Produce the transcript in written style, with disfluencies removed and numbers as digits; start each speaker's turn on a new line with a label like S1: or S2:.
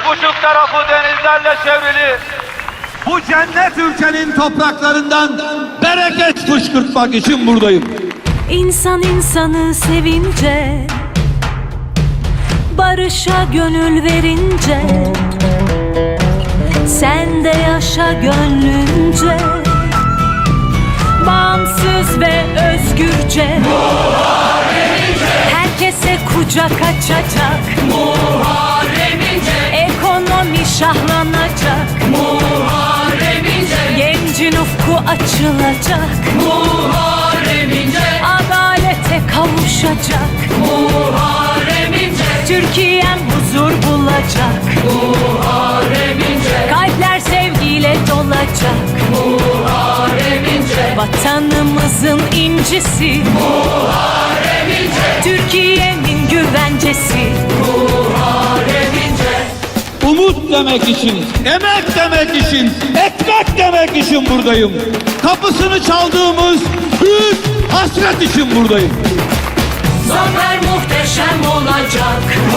S1: 3,5 tarafı denizlerle çevrili bu cennet ülkenin topraklarından bereket fışkırtmak için buradayım.
S2: İnsan insanı sevince, barışa gönül verince, sen de yaşa gönlünce, bağımsız ve özgürce. Herkese kucak açacak, ekonomi şahlanacak, gencin ufku açılacak, adalete kavuşacak, Türkiye'm huzur bulacak, kalpler sevgiyle dolacak, vatanımızın incisi, Türkiye'nin güvencesi.
S1: Umut demek için, emek demek için, ekmek demek için buradayım. Kapısını çaldığımız büyük hasret için buradayım.
S2: Zafer muhteşem olacak,